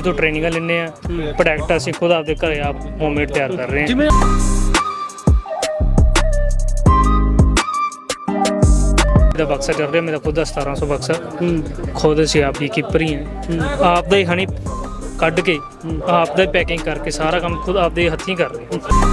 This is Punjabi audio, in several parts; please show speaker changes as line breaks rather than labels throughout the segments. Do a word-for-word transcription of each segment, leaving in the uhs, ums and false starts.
ਤੋਂ ਟ੍ਰੇਨਿੰਗਾਂ ਲੈਂਦੇ ਆ। ਪ੍ਰੋਡਕਟ ਅਸੀਂ ਖੁਦ ਆਪਦੇ ਘਰੇ ਆਪ ਹੋਮਮੇਡ ਤਿਆਰ ਕਰ ਰਹੇ ਹਾਂ।
ਜਿਵੇਂ
ਦਾ ਬਕਸਾ ਚੱਲ ਰਿਹਾ ਮੇਰਾ ਖੁਦ ਦਾ ਸਤਾਰਾਂ ਸੌ ਬਕਸਾ। ਖੁਦ ਅਸੀਂ ਆਪ ਦੀ ਕੀਪਰ ਹੀ ਹਾਂ। ਆਪ ਦਾ ਹੀ ਹਨੀ ਕੱਢ ਕੇ ਆਪ ਦਾ ਹੀ ਪੈਕਿੰਗ ਕਰਕੇ ਸਾਰਾ ਕੰਮ ਖੁਦ ਆਪਦੇ ਹੱਥੀਂ ਕਰ ਰਹੇ ਹਾਂ।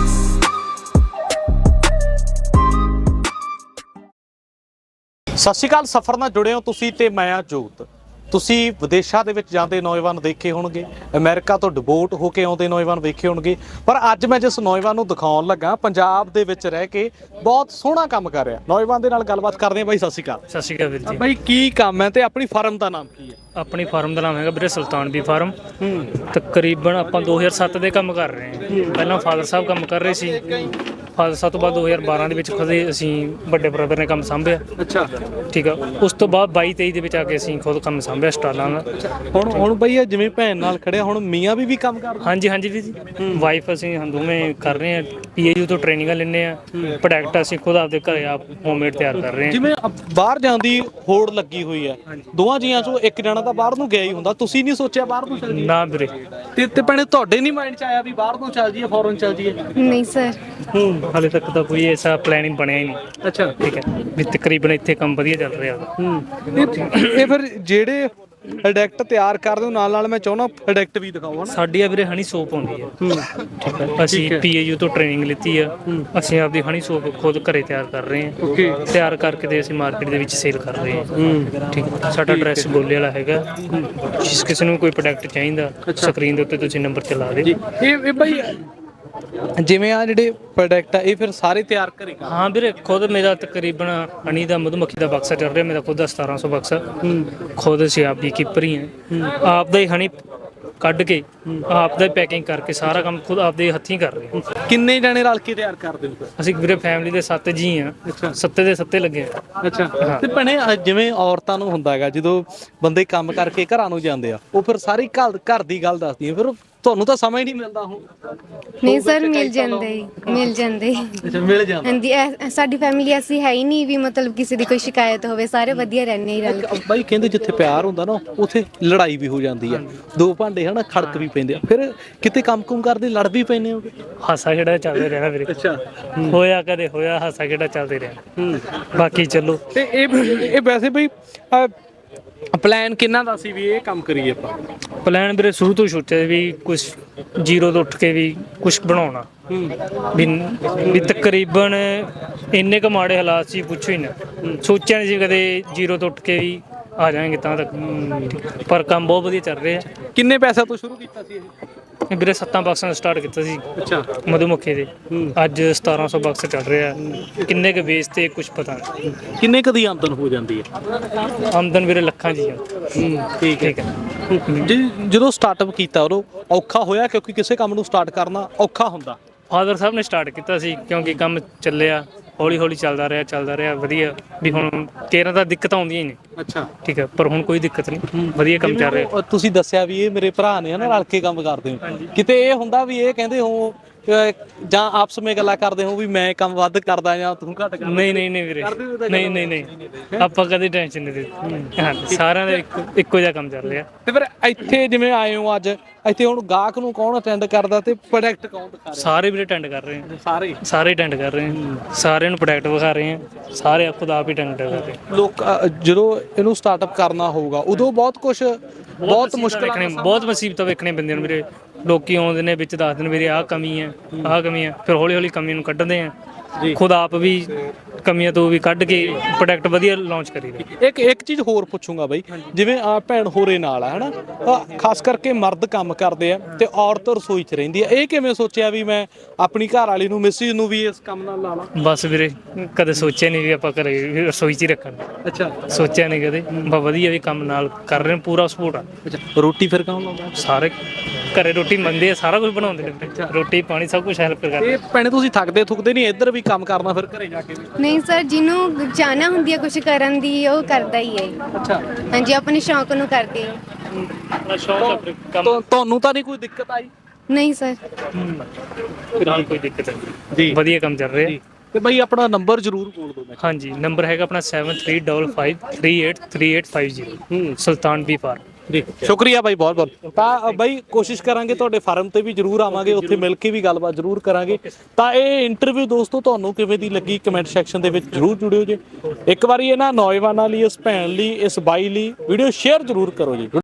ਸਤਿ ਸ਼੍ਰੀ ਅਕਾਲ। ਸਫ਼ਰ ਨਾਲ ਜੁੜੇ ਹੋ ਤੁਸੀਂ ਤੇ ਮੈਂ ਆ ਜੋਤ। ਤੁਸੀਂ ਵਿਦੇਸ਼ਾਂ ਦੇ ਵਿੱਚ ਜਾਂਦੇ ਨੌਜਵਾਨ ਦੇਖੇ ਹੋਣਗੇ, ਅਮਰੀਕਾ ਤੋਂ ਡਿਪੋਰਟ ਹੋ ਕੇ ਆਉਂਦੇ ਨੌਜਵਾਨ ਵੇਖੇ ਹੋਣਗੇ, ਪਰ ਅੱਜ ਮੈਂ ਜਿਸ ਨੌਜਵਾਨ ਨੂੰ ਦਿਖਾਉਣ ਲੱਗਾ ਪੰਜਾਬ ਦੇ ਵਿੱਚ ਰਹਿ ਕੇ ਬਹੁਤ ਸੋਹਣਾ ਕੰਮ ਕਰ ਰਿਹਾ। ਨੌਜਵਾਨ ਦੇ ਨਾਲ ਗੱਲਬਾਤ ਕਰਦੇ ਹਾਂ। ਬਾਈ ਸਤਿ ਸ਼੍ਰੀ ਅਕਾਲ।
ਸਤਿ ਸ਼੍ਰੀ ਅਕਾਲ ਵੀਰ ਜੀ।
ਬਾਈ ਕੀ ਕੰਮ ਹੈ ਤੇ ਆਪਣੀ ਫਰਮ ਦਾ ਨਾਮ ਕੀ ਹੈ?
ਆਪਣੀ ਫਾਰਮ ਦਾ ਨਾਮ ਹੈਗਾ ਵੀਰੇ ਸੁਲਤਾਨ ਬੀ ਫਾਰਮ। ਤਕਰੀਬਨ ਆਪਾਂ ਦੋ ਹਜ਼ਾਰ ਸੱਤ ਦੇ ਕੰਮ ਕਰ ਰਹੇ ਹਾਂ। ਪਹਿਲਾਂ ਫਾਦਰ ਸਾਹਿਬ ਕੰਮ ਕਰ ਰਹੇ ਸੀ। ਫਾਦਰ ਸਾਹਿਬ ਤੋਂ ਬਾਅਦ ਦੋ ਹਜ਼ਾਰ ਬਾਰਾਂ ਦੇ ਵਿੱਚ ਖੁਦ ਅਸੀਂ ਵੱਡੇ ਬ੍ਰਦਰ ਨੇ ਕੰਮ ਸਾਂਭਿਆ।
ਅੱਛਾ
ਠੀਕ ਆ। ਉਸ ਤੋਂ ਬਾਅਦ ਬਾਈ ਤੇਈ ਦੇ ਵਿੱਚ ਆ ਕੇ ਅਸੀਂ ਖੁਦ ਕੰਮ ਸਾਂਭਿਆ ਸਟਾਲਾਂ ਦਾ।
ਹੁਣ ਹੁਣ ਬਈ ਇਹ ਜਿਵੇਂ ਭੈਣ ਨਾਲ ਖੜਿਆ, ਹੁਣ ਮੀਆਂ ਵੀ ਵੀ ਕੰਮ ਕਰਦੇ?
ਹਾਂਜੀ ਹਾਂਜੀ ਵੀਰ ਜੀ। ਵਾਈਫ ਅਸੀਂ ਦੋਵੇਂ ਕਰ ਰਹੇ ਹਾਂ। ਪੀ ਏ ਯੂ ਤੋਂ ਟ੍ਰੇਨਿੰਗਾਂ ਲੈਂਦੇ ਆ। ਪ੍ਰੋਡਕਟ ਅਸੀਂ ਖੁਦ ਆਪਦੇ ਘਰੇ ਆਪ ਹੋਮਮੇਡ ਤਿਆਰ ਕਰ ਰਹੇ ਹਾਂ।
ਜਿਵੇਂ ਬਾਹਰ ਜਾਣ ਦੀ ਹੋੜ ਲੱਗੀ ਹੋਈ ਹੈ, ਦੋਵਾਂ ਜੀਆਂ ਚੋਂ ਇੱਕ ਜਣਾ ਤਾਂ ਬਾਹਰ ਨੂੰ ਗਿਆ ਹੀ ਹੁੰਦਾ, ਤੁਸੀਂ ਨਹੀਂ ਸੋਚਿਆ ਬਾਹਰ ਨੂੰ ਚੱਲ ਜਾਈਏ?
ਨਾ ਵੀਰੇ।
ਤੇ ਤੇ ਭੈਣੇ ਤੁਹਾਡੇ ਨਹੀਂ ਮਾਈਂਡ 'ਚ ਆਇਆ ਵੀ ਬਾਹਰ ਨੂੰ ਚੱਲ ਜਾਈਏ, ਫੋਰਨ ਚੱਲ ਜਾਈਏ?
ਨਹੀਂ ਸਰ।
ਹੂੰ ਹਾਲੇ ਤੱਕ ਤਾਂ ਕੋਈ ਐਸਾ ਪਲੈਨਿੰਗ ਬਣਿਆ ਹੀ ਨਹੀਂ।
ਅੱਛਾ
ਠੀਕ ਹੈ ਵੀ ਤਕਰੀਬਨ ਇੱਥੇ ਕੰਮ ਵਧੀਆ ਚੱਲ ਰਿਹਾ।
ਹੂੰ ਇਹ ਫਿਰ ਜਿਹੜੇ ਪ੍ਰੋਡਕਟ ਤਿਆਰ ਕਰਦੇ ਹੋ ਨਾਲ ਨਾਲ ਮੈਂ ਚਾਹੁੰਦਾ ਪ੍ਰੋਡਕਟ ਵੀ ਦਿਖਾਓ ਨਾ।
ਸਾਡੀ ਆ ਵੀਰੇ ਹਨੀ ਸੋਪ ਆਉਂਦੀ ਹੈ। ਠੀਕ ਹੈ। ਅਸੀਂ ਪੀ ਏ ਯੂ ਤੋਂ ਟ੍ਰੇਨਿੰਗ ਲਿੱਤੀ ਆ। ਅਸੀਂ ਆਪਦੀ ਹਨੀ ਸੋਪ ਖੁਦ ਘਰੇ ਤਿਆਰ ਕਰ ਰਹੇ ਹਾਂ।
ਓਕੇ।
ਤਿਆਰ ਕਰਕੇ ਤੇ ਅਸੀਂ ਮਾਰਕੀਟ ਦੇ ਵਿੱਚ ਸੇਲ ਕਰ ਰਹੇ ਹਾਂ। ਠੀਕ ਹੈ। ਸਾਡਾ ਐਡਰੈਸ ਗੋਲੇ ਵਾਲਾ ਹੈਗਾ। ਜਿਸ ਕਿਸੇ ਨੂੰ ਕੋਈ ਪ੍ਰੋਡਕਟ ਚਾਹੀਦਾ ਸਕਰੀਨ ਦੇ ਉੱਤੇ ਤੁਸੀਂ ਨੰਬਰ ਚਲਾ ਦੇ।
ਇਹ ਇਹ ਭਾਈ ਜਿਵੇਂ ਆ ਜਿਹੜੇ ਪ੍ਰੋਡਕਟ ਆ ਇਹ ਫਿਰ ਸਾਰੇ ਤਿਆਰ ਘਰੇ ਕਰ?
ਹਾਂ ਵੀਰੇ ਖੁਦ ਮੇਰਾ ਤਕਰੀਬਨ ਹਨੀ ਦਾ ਮਧੂਮੱਖੀ ਦਾ ਬਕਸਾ ਚੱਲ ਰਿਹਾ ਮੇਰਾ ਖੁਦ ਦਾ ਸਤਾਰਾਂ ਸੌ ਬਕਸਾ। ਖੁਦ ਅਸੀਂ ਆਪ ਦੀ ਕੀਪਰ ਹੀ ਹਾਂ। ਆਪ ਦਾ ਹੀ ਹਨੀ ਕੱਢ ਕੇ ਆਪ ਦਾ ਹੀ ਪੈਕਿੰਗ ਕਰਕੇ ਸਾਰਾ ਕੰਮ ਖੁਦ ਆਪਦੇ ਹੱਥੀਂ ਕਰ ਰਹੇ ਹਾਂ।
ਕਿੰਨੇ ਜਣੇ ਰਲ ਕੇ ਤਿਆਰ ਕਰਦੇ ਹੋ?
ਅਸੀਂ ਵੀਰੇ ਫੈਮਿਲੀ ਦੇ ਸੱਤ ਜੀ ਆ। ਸੱਤੇ ਦੇ ਸੱਤੇ ਲੱਗੇ ਆ।
ਅੱਛਾ। ਤੇ ਭੈਣੇ ਜਿਵੇਂ ਔਰਤਾਂ ਨੂੰ ਹੁੰਦਾ ਹੈਗਾ ਜਦੋਂ ਬੰਦੇ ਕੰਮ ਕਰਕੇ ਘਰਾਂ ਨੂੰ ਜਾਂਦੇ ਆ, ਉਹ ਫਿਰ ਸਾਰੀ ਘਰ ਘਰ ਦੀ ਗੱਲ ਦੱਸਦੀਆਂ, ਫਿਰ ਤੁਹਾਨੂੰ ਤਾਂ ਸਮਾਂ ਹੀ ਨਹੀਂ ਮਿਲਦਾ ਹੁਣ?
ਨਹੀਂ ਸਰ ਮਿਲ ਜਾਂਦੇ ਮਿਲ ਜਾਂਦੇ
ਅੱਛਾ ਮਿਲ ਜਾਂਦਾ।
ਹਾਂਜੀ ਇਹ- ਸਾਡੀ ਫੈਮਿਲੀ ਐਸੀ ਹੈ ਹੀ ਨਹੀਂ ਵੀ ਮਤਲਬ ਕਿਸੇ ਦੀ ਕੋਈ ਸ਼ਿਕਾਇਤ ਹੋਵੇ, ਸਾਰੇ ਵਧੀਆ ਰਹਿੰਦੇ ਹੀ ਰਲ ਕੇ।
ਬਾਈ ਕਹਿੰਦੇ ਜਿੱਥੇ ਪਿਆਰ ਹੁੰਦਾ ਨਾ ਉੱਥੇ ਲੜਾਈ ਵੀ ਹੋ ਜਾਂਦੀ ਆ, ਦੋ ਭਾਂਡੇ ਹਨਾ ਖੜਕ ਵੀ ਪੈਂਦੇ ਆ, ਫਿਰ ਕਿਤੇ ਕੰਮ ਕੁਮ ਕਰਦੇ ਲੜ ਵੀ ਪੈਂਦੇ ਹੋ?
ਹਾਸਾ ਖੇੜਾ ਚੱਲਦੇ ਰਹਿਣਾ ਵੀਰੇ।
ਅੱਛਾ।
ਹੋਇਆ ਕਦੇ ਹੋਇਆ ਹਾਸਾ ਖੇੜਾ ਚੱਲਦੇ ਰਹਿਣਾ। ਬਾਕੀ ਚਲੋ।
ਤੇ ਇਹ ਇਹ ਵੈਸੇ ਬਈ ਪਲਾਨ ਕਿੰਨਾ ਦਾ ਸੀ ਵੀ ਇਹ ਕੰਮ ਕਰੀਏ ਆਪਾਂ?
ਪਲਾਨ ਵੀਰੇ ਸ਼ੁਰੂ ਤੋਂ ਸੋਚਿਆ ਵੀ ਕੁਝ ਜ਼ੀਰੋ ਤੋਂ ਉੱਠ ਕੇ ਵੀ ਕੁਝ ਬਣਾਉਣਾ। ਵੀ ਵੀ ਤਕਰੀਬਨ ਇੰਨੇ ਕੁ ਮਾੜੇ ਹਾਲਾਤ ਸੀ ਪੁੱਛੋ ਹੀ ਨਾ। ਸੋਚਿਆ ਨਹੀਂ ਸੀ ਕਦੇ ਜ਼ੀਰੋ ਤੋਂ ਉੱਠ ਕੇ ਵੀ ਆ ਜਾਵਾਂਗੇ ਤਾਂ ਤੱਕ, ਪਰ ਕੰਮ ਬਹੁਤ ਵਧੀਆ ਚੱਲ ਰਿਹਾ।
ਕਿੰਨੇ ਪੈਸੇ ਤੋਂ ਸ਼ੁਰੂ ਕੀਤਾ ਸੀ ਇਹ?
ਵੀਰੇ ਸੱਤਾਂ ਬਕਸਾਂ ਤੋਂ ਸਟਾਰਟ ਕੀਤਾ ਸੀ।
ਅੱਛਾ।
ਮਧੂਮੱਖੀ ਦੇ ਅੱਜ ਸਤਾਰਾਂ ਸੌ ਬਕਸ ਚੱਲ ਰਿਹਾ। ਕਿੰਨੇ ਕੁ ਵੇਚ ਤੇ ਕੁਝ ਪਤਾ ਨਹੀਂ।
ਕਿੰਨੇ ਕਦੀ ਆਮਦਨ ਹੋ ਜਾਂਦੀ ਹੈ?
ਆਮਦਨ ਵੀਰੇ ਲੱਖਾਂ ਜੀ ਆ।
ਠੀਕ
ਠੀਕ ਹੈ।
ਜੀ ਜਦੋਂ ਸਟਾਰਟਅਪ ਕੀਤਾ ਉਦੋਂ ਔਖਾ ਹੋਇਆ? ਕਿਉਂਕਿ ਕਿਸੇ ਕੰਮ ਨੂੰ ਸਟਾਰਟ ਕਰਨਾ ਔਖਾ ਹੁੰਦਾ।
ਫਾਦਰ ਸਾਹਿਬ ਨੇ ਸਟਾਰਟ ਕੀਤਾ ਸੀ ਕਿਉਂਕਿ ਕੰਮ ਚੱਲਿਆ ਹੌਲੀ ਹੌਲੀ ਚੱਲਦਾ ਰਿਹਾ ਚੱਲਦਾ ਰਿਹਾ ਵਧੀਆ। ਵੀ ਹੁਣ ਕੇਰਾਂ ਤਾਂ ਦਿੱਕਤਾਂ ਆਉਂਦੀਆਂ ਹੀ ਨੇ।
ਅੱਛਾ।
ਠੀਕ ਹੈ। ਪਰ ਹੁਣ ਕੋਈ ਦਿੱਕਤ ਨਹੀਂ, ਵਧੀਆ ਕੰਮ ਚੱਲ ਰਿਹਾ।
ਉਹ ਤੁਸੀਂ ਦੱਸਿਆ ਵੀ ਇਹ ਮੇਰੇ ਭਰਾ ਨੇ ਹਨਾ ਰਲ ਕੇ ਕੰਮ ਕਰਦੇ ਹੋ, ਕਿਤੇ ਇਹ ਹੁੰਦਾ ਵੀ ਇਹ ਕਹਿੰਦੇ ਹੋ ਜਾਂ ਆਪਸ ਵਿੱਚ ਗੱਲਾਂ ਕਰਦੇ ਹੋ ਵੀ ਮੈਂ ਕੰਮ ਵੱਧ ਕਰਦਾ ਜਾਂ ਤੂੰ ਘੱਟ ਕਰਦਾ?
ਨਹੀਂ ਨਹੀਂ ਨਹੀਂ ਵੀਰੇ। ਨਹੀਂ ਨਹੀਂ ਨਹੀਂ ਆਪਾਂ ਕਦੇ ਟੈਨਸ਼ਨ ਨਹੀਂ ਦਿੱਤੀ। ਹਾਂ ਸਾਰਿਆਂ ਦਾ ਇੱਕੋ ਇੱਕੋ ਜਿਹਾ ਕੰਮ ਚੱਲ ਰਿਹਾ।
ਤੇ ਫਿਰ ਇੱਥੇ ਜਿਵੇਂ ਆਏ ਹੋ ਅੱਜ, ਇੱਥੇ ਹੁਣ ਗਾਹਕ ਨੂੰ ਕੌਣ ਅਟੈਂਡ ਕਰਦਾ ਤੇ ਪ੍ਰੋਡਕਟ ਕੌਣ ਦਿਖਾ ਰਿਹਾ?
ਸਾਰੇ ਵੀਰੇ ਅਟੈਂਡ ਕਰ ਰਹੇ ਆ।
ਸਾਰੇ
ਸਾਰੇ ਅਟੈਂਡ ਕਰ ਰਹੇ ਆ। ਸਾਰਿਆਂ ਨੂੰ ਪ੍ਰੋਡਕਟ ਵਿਖਾ ਰਹੇ ਆ। ਸਾਰੇ ਖੁਦ ਆਪ ਹੀ ਅਟੈਂਡ ਕਰ ਰਹੇ ਆ।
ਲੋਕ ਜਦੋਂ ਇਹਨੂੰ ਸਟਾਰਟਅਪ ਕਰਨਾ ਹੋਊਗਾ ਉਦੋਂ ਬਹੁਤ ਕੁਝ ਬਹੁਤ ਮੁਸ਼ਕਲ
ਵੇਖਣੇ ਬਹੁਤ ਮੁਸੀਬਤਾਂ ਵੇਖਣੇ ਪੈਂਦੀਆਂ ਨੇ ਵੀਰੇ। ਲੋਕੀ ਆਉਂਦੇ ਨੇ ਵਿੱਚ ਦੱਸਦੇ ਨੇ ਵੀਰੇ ਆਹ ਕਮੀ ਹੈ ਆਹ ਕਮੀ ਹੈ, ਫਿਰ ਹੌਲੀ ਹੌਲੀ ਕਮੀ ਨੂੰ ਕੱਢਦੇ ਆ। ਖੁਦ ਆਪ ਵੀ ਕਮੀਆਂ ਤੋਂ ਵੀ ਕੱਢ ਕੇ ਪ੍ਰੋਡਕਟ ਵਧੀਆ ਲਾਂਚ ਕਰੀਦਾ।
ਇੱਕ ਇੱਕ ਚੀਜ਼ ਹੋਰ ਪੁੱਛੂੰਗਾ ਬਾਈ, ਜਿਵੇਂ ਆ ਭੈਣ ਹੋਰੇ ਨਾਲ ਆ ਹਨਾ, ਖਾਸ ਕਰਕੇ ਮਰਦ ਕੰਮ ਕਰਦੇ ਆ ਤੇ ਔਰਤ ਰਸੋਈ 'ਚ ਰਹਿੰਦੀ ਆ, ਇਹ ਕਿਵੇਂ ਸੋਚਿਆ ਵੀ ਮੈਂ ਆਪਣੀ ਘਰ ਵਾਲੀ ਨੂੰ ਮਿਸਿਸ ਨੂੰ ਵੀ ਇਸ ਕੰਮ ਨਾਲ ਲਾ ਲਾਂ?
ਬਸ ਵੀਰੇ ਕਦੇ ਸੋਚਿਆ ਨਹੀਂ ਵੀ ਆਪਾਂ ਘਰੇ ਰਸੋਈ 'ਚ ਹੀ ਰੱਖਣ।
ਅੱਛਾ।
ਸੋਚਿਆ ਨਹੀਂ ਕਦੇ। ਬਸ ਵਧੀਆ ਵੀ ਕੰਮ ਨਾਲ ਕਰ ਰਹੇ ਪੂਰਾ ਸਪੋਰਟ ਆ।
ਅੱਛਾ। ਰੋਟੀ ਫਿਰ ਕੌਣ ਲਾਉਂਦਾ?
ਸਾਰੇ ਘਰੇ ਰੋਟੀ ਮੰਗਦੇ ਆ, ਸਾਰਾ ਕੁਝ ਬਣਾਉਂਦੇ ਨੇ। ਰੋਟੀ ਪਾਣੀ ਸਭ ਕੁਝ ਹੈਲਪ ਕਰਦੇ।
ਇਹ ਭੈਣੇ ਤੁਸੀਂ ਥੱਕਦੇ ਥੁੱਕਦੇ ਨਹੀਂ ਇੱਧਰ ਵੀ ਕੰਮ ਕਰਨਾ ਫਿਰ ਘਰੇ ਜਾ ਕੇ?
ਨਹੀਂ ਸਰ, ਜਿਹਨੂੰ ਚਾਹਨਾ ਹੁੰਦੀ ਹੈ ਕੁਝ ਕਰਨ ਦੀ ਉਹ ਕਰਦਾ ਹੀ ਹੈ।
ਅੱਛਾ।
ਹਾਂਜੀ ਆਪਣੇ ਸ਼ੌਕ ਨੂੰ ਕਰਦੇ ਆ।
ਆਪਣਾ ਸ਼ੌਕ ਹੈ ਕੰਮ।
ਤੁਹਾਨੂੰ ਤਾਂ ਨਹੀਂ ਕੋਈ ਦਿੱਕਤ ਆਈ?
ਨਹੀਂ ਸਰ।
ਫਿਲਹਾਲ ਕੋਈ ਦਿੱਕਤ ਨਹੀਂ
ਜੀ।
ਵਧੀਆ ਕੰਮ ਚੱਲ ਰਿਹਾ।
ਤੇ ਬਾਈ ਆਪਣਾ ਨੰਬਰ ਜ਼ਰੂਰ ਬੋਲ ਦਿਓ।
ਹਾਂਜੀ ਨੰਬਰ ਹੈਗਾ ਆਪਣਾ seven three double five three eight three eight five zero. Sultan bee farm.
ਜੀ ਸ਼ੁਕਰੀਆ ਬਾਈ ਬਹੁਤ ਬਹੁਤ। ਤਾਂ ਅ, ਬਾਈ ਕੋਸ਼ਿਸ਼ ਕਰਾਂਗੇ ਤੁਹਾਡੇ ਫਾਰਮ ਤੇ ਵੀ ਜਰੂਰ ਆਵਾਂਗੇ, ਉੱਥੇ ਮਿਲ ਕੇ ਵੀ ਗੱਲਬਾਤ ਜਰੂਰ ਕਰਾਂਗੇ। ਤਾਂ ਇਹ ਇੰਟਰਵਿਊ ਦੋਸਤੋ ਤੁਹਾਨੂੰ ਕਿਵੇਂ ਦੀ ਲੱਗੀ ਕਮੈਂਟ ਸੈਕਸ਼ਨ ਦੇ ਵਿੱਚ ਜਰੂਰ ਜੁੜਿਓ ਜੀ। ਇੱਕ ਵਾਰੀ ਇਹਨਾਂ ਨੌਜਵਾਨਾਂ ਲਈ, ਇਸ ਭੈਣ ਲਈ, ਇਸ ਬਾਈ ਲਈ ਵੀਡੀਓ ਸ਼ੇਅਰ ਜਰੂਰ ਕਰੋ ਜੀ।